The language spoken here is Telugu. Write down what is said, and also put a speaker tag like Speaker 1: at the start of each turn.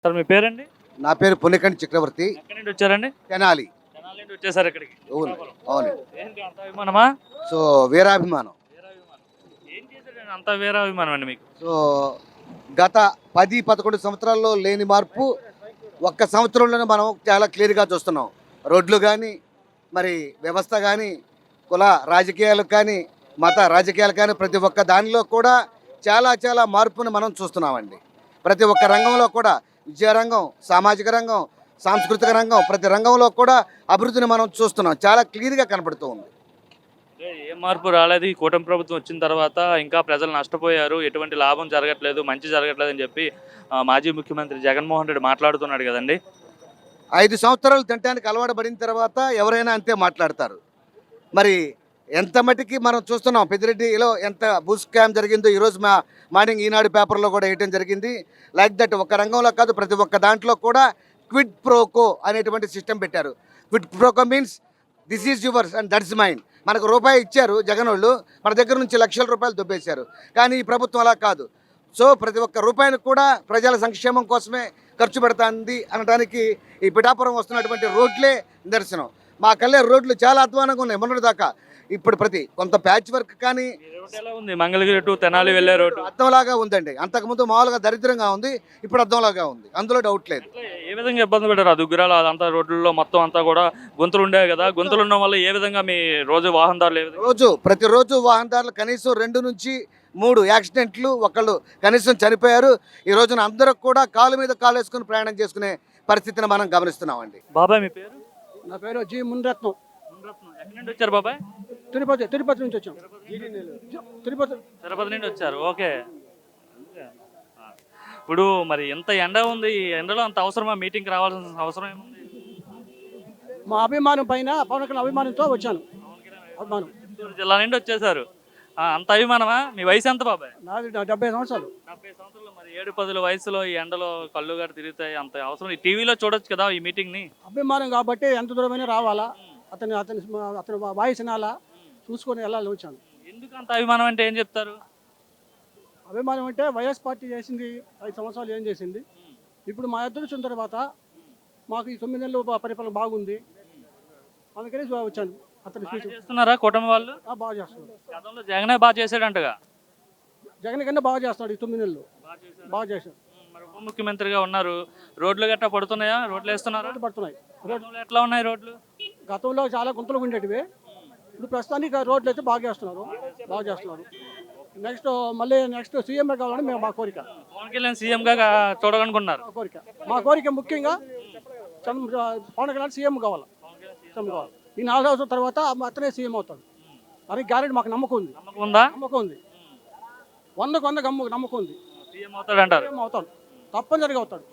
Speaker 1: సార్ మీ పేరండి?
Speaker 2: నా పేరు పుణ్యకంఠ చక్రవర్తి.
Speaker 1: ఎక్కడి నుండి వచ్చారండి?
Speaker 2: తెనాలి.
Speaker 1: తెనాలి నుండి వచ్చేసారు ఇక్కడికి.
Speaker 2: అవును,
Speaker 1: శ్రీకాకుళం.
Speaker 2: అవును.
Speaker 1: ఏంటి అంత అభిమానమా?
Speaker 2: సో వీరాభిమానం.
Speaker 1: వీరాభిమానం. ఏం చేశాడండి అంత వీరాభిమానం అండి మీకు?
Speaker 2: సో గత 10-11 సంవత్సరాల్లో లేని మార్పు ఒక్క సంవత్సరంలోనే మనం చాలా క్లియర్గా చూస్తున్నాం. రోడ్లు కానీ, మరి వ్యవస్థ కానీ, కుల రాజకీయాలు కానీ, మత రాజకీయాలు కానీ, ప్రతి ఒక్క దానిలో కూడా చాలా చాలా మార్పుని మనం చూస్తున్నామండి. ప్రతి ఒక్క రంగంలో కూడా, విద్యారంగం, సామాజిక రంగం, సాంస్కృతిక రంగం, ప్రతి రంగంలో కూడా అభివృద్ధిని మనం చూస్తున్నాం. చాలా క్లియర్గా కనపడుతూ ఉంది.
Speaker 1: ఏ మార్పు రాలేదు. ఈ కూటమి ప్రభుత్వం వచ్చిన తర్వాత ఇంకా ప్రజలు నష్టపోయారు, ఎటువంటి లాభం జరగట్లేదు, మంచి జరగట్లేదు అని చెప్పి మాజీ ముఖ్యమంత్రి జగన్మోహన్ రెడ్డి మాట్లాడుతున్నాడు కదండి.
Speaker 2: 5 సంవత్సరాలు తినడానికి అలవాటు పడిన తర్వాత ఎవరైనా అంతే మాట్లాడతారు. మరి ఎంత మటుకి మనం చూస్తున్నాం, పెద్దిరెడ్డిలో ఎంత భూ స్కామ్ జరిగిందో ఈరోజు మార్నింగ్ ఈనాడు పేపర్లో కూడా వేయటం జరిగింది. లైక్ దట్ ఒక రంగంలో కాదు, ప్రతి ఒక్క దాంట్లో కూడా క్విడ్ ప్రోకో అనేటువంటి సిస్టమ్ పెట్టారు. Quid pro quo means this is yours and that's mine. మనకు రూపాయి ఇచ్చారు జగన్ వాళ్ళు, మన దగ్గర నుంచి లక్షల రూపాయలు దొబ్బేశారు. కానీ ఈ ప్రభుత్వం అలా కాదు. సో ప్రతి ఒక్క రూపాయిని కూడా ప్రజల సంక్షేమం కోసమే ఖర్చు పెడుతుంది అనడానికి ఈ పిఠాపురం వస్తున్నటువంటి రోడ్లే నిదర్శనం. మా కల్లే రోడ్లు చాలా అధ్వానంగా ఉన్నాయి మొన్నటి దాకా. ఇప్పుడు కొంత ప్యాచ్ వర్క్ కానీ
Speaker 1: ఎలా ఉంది? మంగళగిరి టు తెనాలి వెళ్ళే రోడ్డు
Speaker 2: అద్దంలాగా ఉందండి. అంతకుముందు మామూలుగా దరిద్రంగా ఉంది, ఇప్పుడు అద్దంలాగా ఉంది, అందులో డౌట్ లేదు.
Speaker 1: ఏ విధంగా ఇబ్బంది పెట్టారు? దుగ్గురాలు అదంతా రోడ్లలో మొత్తం అంతా కూడా గుంతలు ఉండేవి కదా. గుంతలు ఉండడం వల్ల ఏ విధంగా మీ రోజు వాహనదారులు
Speaker 2: ప్రతిరోజు వాహనదారులు కనీసం 2 నుంచి 3 యాక్సిడెంట్లు, ఒకళ్ళు కనీసం చనిపోయారు. ఈ రోజున అందరూ కూడా కాలు మీద కాలు వేసుకుని ప్రయాణం చేసుకునే పరిస్థితిని మనం గమనిస్తున్నామండి.
Speaker 1: బాబాయ్ మీ పేరు?
Speaker 3: నా పేరు జి మునిరత్నం.
Speaker 1: ఎక్కడి నుండి వచ్చారు బాబాయ్?
Speaker 3: తిరుపతి నుంచి వచ్చాం.
Speaker 1: తిరుపతి నుండి వచ్చారు. ఓకే. ఇప్పుడు మరి ఎంత ఎండ ఉంది, ఈ ఎండలో అంత అవసరమా మీటింగ్కి రావాల్సిన అవసరం ఏముంది?
Speaker 3: మా అభిమానం పైన పవన్ కళ్యాణ్ అభిమానంతో వచ్చాను. అభిమానం.
Speaker 1: చిత్తూరు జిల్లా నుండి వచ్చేసారు. అంత అభిమానమా? మీ వయసు ఎంత బాబాయ్?
Speaker 3: నాది 70 సంవత్సరాలు.
Speaker 1: 70 సంవత్సరాలు. మరి 7-10 వయసులో ఈ ఎండలో కళ్ళు గారు తిరుగుతాయి, అంత అవసరం? ఈ టీవీలో చూడొచ్చు కదా ఈ మీటింగ్ని.
Speaker 3: అభిమానం కాబట్టి ఎంత దూరమైనా రావాలా, అతని వాయిస్ వినాలా, చూసుకొని వెళ్ళాలి వచ్చాను.
Speaker 1: ఎందుకు అంత అభిమానం అంటే ఏం చెప్తారు?
Speaker 3: అభిమానం అంటే వైఎస్ పార్టీ చేసింది 5 సంవత్సరాలు ఏం చేసింది. ఇప్పుడు మా ఇద్దరు వచ్చిన తర్వాత మాకు ఈ 9 నెలలు పరిపాలన బాగుంది, అందుకని వచ్చాను. అతను
Speaker 1: చేస్తున్నారా కూటమి వాళ్ళు?
Speaker 3: బాగా చేస్తున్నారు.
Speaker 1: గతంలో జగనే బాగా చేసాడంటగా.
Speaker 3: జగన్ కన్నా బాగా చేస్తాడు. ఈ 9 నెలలు బాగా చేశాడు.
Speaker 1: మరి ఉప ముఖ్యమంత్రిగా ఉన్నారు. రోడ్లు గట్టా పడుతున్నాయా? రోడ్లు వేస్తున్నారా?
Speaker 3: పడుతున్నాయి.
Speaker 1: రోడ్లు ఎట్లా ఉన్నాయి రోడ్లు?
Speaker 3: గతంలో చాలా గుంతలు ఉండేటివి, ఇప్పుడు ప్రస్తుతానికి రోడ్లు అయితే బాగా చేస్తున్నారు. నెక్స్ట్ సీఎం కావాలని మేము మా కోరిక.
Speaker 1: పవన్ కళ్యాణ్ సీఎంగా చూడాలనుకున్నారు.
Speaker 3: మా కోరిక ముఖ్యంగా పవన్ కళ్యాణ్ సీఎం కావాలి. ఈ 4 సంవత్సరాల తర్వాత అతనే సీఎం అవుతాడు అని గ్యారెంటీ మాకు నమ్మకం ఉంది. నమ్మకం ఉంది. 100% నమ్మకం ఉంది.
Speaker 1: సీఎం అవుతాడు అంటారు.
Speaker 3: తప్పనిసరిగా అవుతాడు.